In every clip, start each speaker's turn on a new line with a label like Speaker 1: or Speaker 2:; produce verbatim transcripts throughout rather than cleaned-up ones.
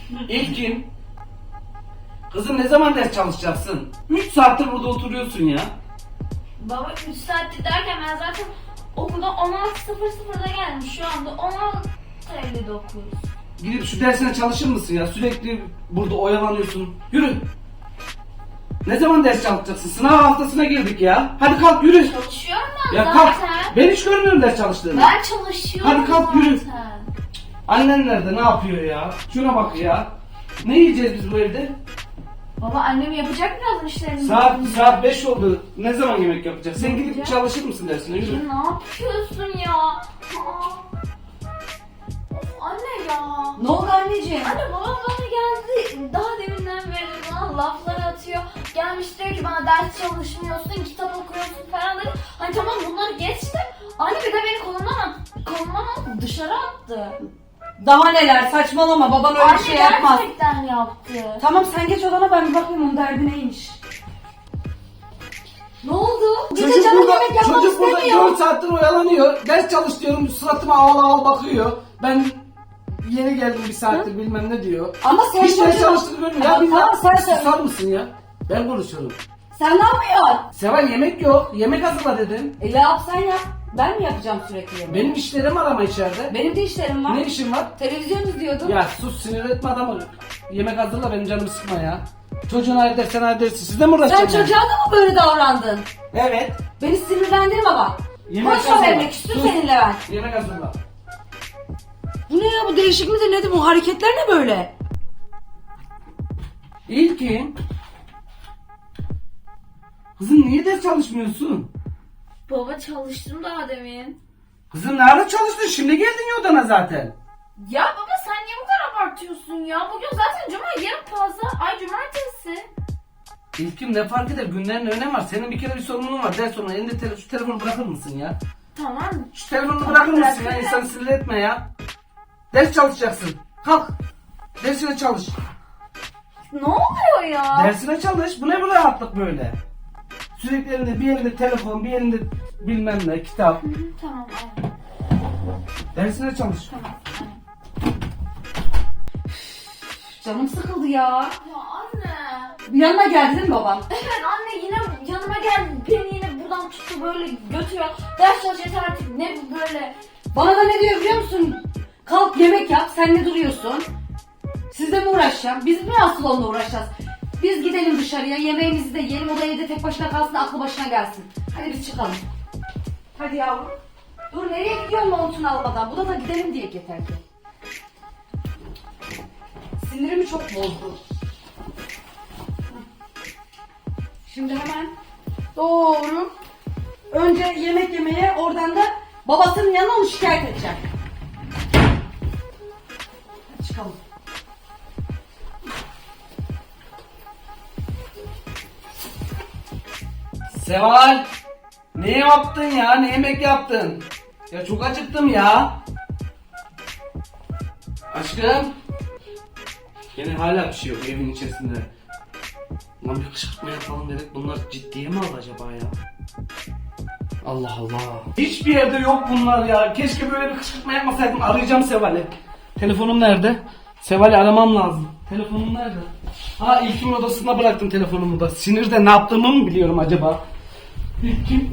Speaker 1: İlkin. Kızım ne zaman ders çalışacaksın? üç saattir burada oturuyorsun ya.
Speaker 2: Baba üç saattir derken ben zaten okulda on altı sıfır sıfırda geldim. Şu anda on altı elli dokuz.
Speaker 1: Gidip şu dersine çalışır mısın ya? Sürekli burada oyalanıyorsun. Yürü. Ne zaman ders çalışacaksın? Sınav haftasına girdik ya. Hadi kalk yürü.
Speaker 2: Çalışıyorum ben
Speaker 1: Ya
Speaker 2: zaten.
Speaker 1: kalk. Ben hiç görmüyorum ders çalıştığını.
Speaker 2: Ben çalışıyorum
Speaker 1: Hadi kalk,
Speaker 2: zaten.
Speaker 1: yürü. Annen nerede? Ne yapıyor ya? Şuna bak ya. Ne yiyeceğiz biz bu evde?
Speaker 2: Baba annem yapacak birazdan işlerini.
Speaker 1: Saat saat beş oldu. Ne zaman yemek yapacak? Sen gidip
Speaker 2: Yapacak.
Speaker 1: çalışır mısın dersine?
Speaker 2: Ya
Speaker 1: Yürü.
Speaker 2: ne yapıyorsun ya? Aa. Of anne ya.
Speaker 3: Ne oldu anneciğim?
Speaker 2: Anne babam bana geldi. Daha deminden beri bana laflar atıyor. Gelmiş diyor ki bana ders çalışmıyorsun, kitap okuyorsun falan dedi. Hani tamam bunları geçti. Anne bir de beni kolumdan at, kolumdan at, dışarı attı.
Speaker 3: Daha neler, saçmalama, baban öyle
Speaker 2: Anne
Speaker 3: şey yapmaz.
Speaker 2: gerçekten yaptı.
Speaker 3: Tamam sen geç odana, ben bir bakayım onun derdi neymiş. Ne oldu? Bir de
Speaker 1: Çocuk
Speaker 3: canım
Speaker 1: burada,
Speaker 3: yemek yapmak
Speaker 1: çocuk burada
Speaker 3: istemiyor.
Speaker 1: dört saattir oyalanıyor. Ders çalış diyorum, suratıma ağla ağla bakıyor. Ben yeni geldim bir saattir bilmem ne diyor.
Speaker 3: Ama sen
Speaker 1: Hiç ders
Speaker 3: çocuğu-
Speaker 1: çalıştığını görmüyor. Ya
Speaker 3: Tamam,
Speaker 1: bir
Speaker 3: tamam, sen söyle.
Speaker 1: susar mısın ya? Ben konuşuyorum.
Speaker 3: Sen ne yapıyorsun?
Speaker 1: Seval yemek yok. Yemek hazırla dedim.
Speaker 3: E ne yapsan ya? Ben mi yapacağım sürekli yemeği?
Speaker 1: Benim işlerim var ama içeride.
Speaker 3: Benim de işlerim var.
Speaker 1: Ne işin var?
Speaker 3: Televizyon izliyordum.
Speaker 1: Ya sus, sinir etme adamı. Yemek hazırla, benim canımı sıkma ya. Çocuğun ayrı ders, sen ayrı dersin. Siz de mi
Speaker 3: Sen
Speaker 1: uğraşacaksın?
Speaker 3: çocuğa da mı böyle davrandın?
Speaker 1: Evet.
Speaker 3: Beni sinirlendirme bak.
Speaker 1: Yemek
Speaker 3: Konuşma
Speaker 1: hazırla.
Speaker 3: benimle, küstüm
Speaker 1: Sus.
Speaker 3: seninle ben.
Speaker 1: Yemek hazırla.
Speaker 3: Bu ne ya, bu değişik midir nedir, bu hareketler ne böyle?
Speaker 1: İlkin. Kızım niye ders çalışmıyorsun?
Speaker 2: Baba çalıştım daha demin.
Speaker 1: Kızım nerede çalıştın? Şimdi geldin ya odana zaten.
Speaker 2: Ya baba sen niye bu kadar abartıyorsun ya? Bugün zaten cuma, yarın pazar, ay cumartesi.
Speaker 1: İlkim ne fark eder? Günlerin önemi var. Senin bir kere bir sorunun var. Ders sonra elinde tele- şu telefonu bırakır mısın ya?
Speaker 2: Tamam.
Speaker 1: Şu telefonu bırakır mısın ya?
Speaker 2: bırakırım.
Speaker 1: İnsanı sinir etme ya. Ders çalışacaksın. Kalk. Dersine çalış.
Speaker 2: Ne oluyor ya?
Speaker 1: Dersine çalış. Bu ne bu rahatlık böyle? Sürekli elinde bir elinde telefon, bir elinde bilmem ne, kitap.
Speaker 2: Hı, tamam anne.
Speaker 1: Dersine çalış.
Speaker 2: Tamam anne.
Speaker 3: Canım sıkıldı ya.
Speaker 2: Ya anne.
Speaker 3: Yanına geldi değil mi babam?
Speaker 2: Evet anne yine yanıma geldi. Beni yine buradan tuttu böyle götürüyor. Ders çalış yeter artık. Ne bu böyle?
Speaker 3: Bana da ne diyor biliyor musun? Kalk yemek yap, sen ne duruyorsun? Sizle mi uğraşacağım? Biz mi asıl onunla uğraşacağız? Biz gidelim dışarıya, yemeğimizi de yiyelim, o da evde tek başına kalsın, aklı başına gelsin. Hadi biz çıkalım. Hadi yavrum. Dur, nereye gidiyorsun montunu almadan? Bu da da gidelim diye yeter ki. Sinirimi çok bozdu. Şimdi hemen doğru. Önce yemek yemeye, oradan da babasının yanına onu şikayet edeceğim. Hadi çıkalım.
Speaker 1: Seval. Ne yaptın ya? Ne yemek yaptın? Ya çok acıktım ya. Aşkım. Yine hala bir şey yok evin içerisinde. Lan bir kışkırtma yapalım dedik. Bunlar ciddiye mi aldı acaba ya? Allah Allah. Hiçbir yerde yok bunlar ya. Keşke böyle bir kışkırtma yapmasaydım. Arayacağım Seval'i. Telefonum nerede? Seval'i aramam lazım. Telefonum nerede? Ha, İlkin odasında bıraktım telefonumu da. Sinirde ne yaptığımı mı biliyorum acaba? İlkin.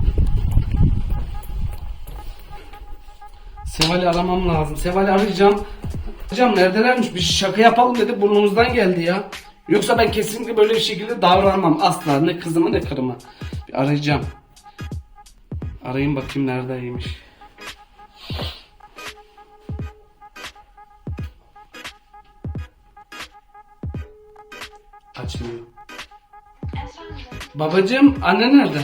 Speaker 1: Seval'i aramam lazım. Seval'i arayacağım. Hocam neredelermiş? Bir şaka yapalım dedi, burnumuzdan geldi ya. Yoksa ben kesinlikle böyle bir şekilde davranmam asla. Ne kızımı ne karımı. Bir arayacağım. Arayayım bakayım neredeymiş. Açmıyor.
Speaker 4: Efendim,
Speaker 1: Babacığım, anne nerede?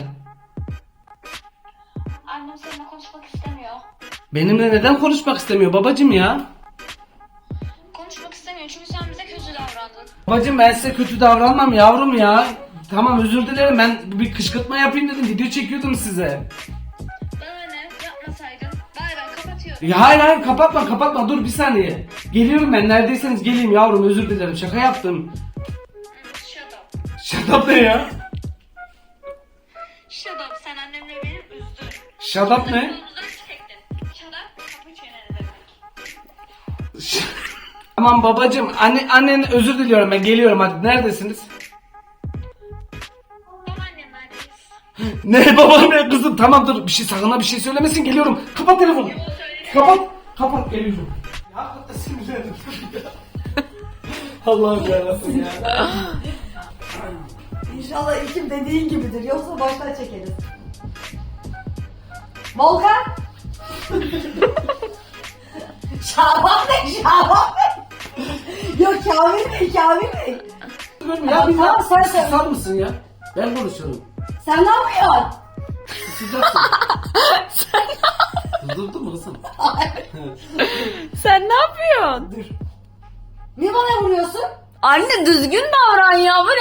Speaker 4: annem seninle konuşmak istemiyor.
Speaker 1: Benimle neden konuşmak istemiyor babacığım ya?
Speaker 4: Konuşmak istemiyor çünkü sen bize kötü davrandın.
Speaker 1: Babacığım ben size kötü davranmam yavrum ya. Tamam, özür dilerim, ben bir kışkırtma yapayım dedim, video çekiyordum size.
Speaker 4: Bana ne? Yapmasaydın. Bay bay, kapatıyorum.
Speaker 1: Ya hayır hayır, kapatma kapatma, dur bir saniye. Geliyorum ben, neredeyseniz geleyim yavrum, özür dilerim, şaka yaptım.
Speaker 4: Shut up.
Speaker 1: Shut up ne ya?
Speaker 4: Shut up, sen annemle beni üzdün.
Speaker 1: Shut up ne?
Speaker 4: Yolumuzdan çektin. Shut up, kapı çeneni demek.
Speaker 1: Tamam babacığım. Anne, annen özür diliyorum ben geliyorum hadi. Neredesiniz?
Speaker 4: Babaannenlerdeyiz.
Speaker 1: Ne babaanne kızım tamam dur bir şey sakın ha bir şey söylemesin geliyorum. Kapat telefonu. Kapat. Kapat geliyorum. Ya hakikaten sinirlendim. Allah'ım yarabbim ya.
Speaker 3: İnşallah İlkim dediğin gibidir. Yoksa baştan çekeriz. Volkan. Şaban Bey, Şaban Bey. Yok Kamil Bey, Kamil Bey.
Speaker 1: Ya bir
Speaker 3: Tamam, sen söyle.
Speaker 1: susar mısın ya? Ben konuşuyorum.
Speaker 3: Sen ne yapıyorsun?
Speaker 1: Susacaksın. Durdurdun mu kızım?
Speaker 2: Sen ne yapıyorsun?
Speaker 3: Niye bana vuruyorsun?
Speaker 2: Anne düzgün davran ya. Bu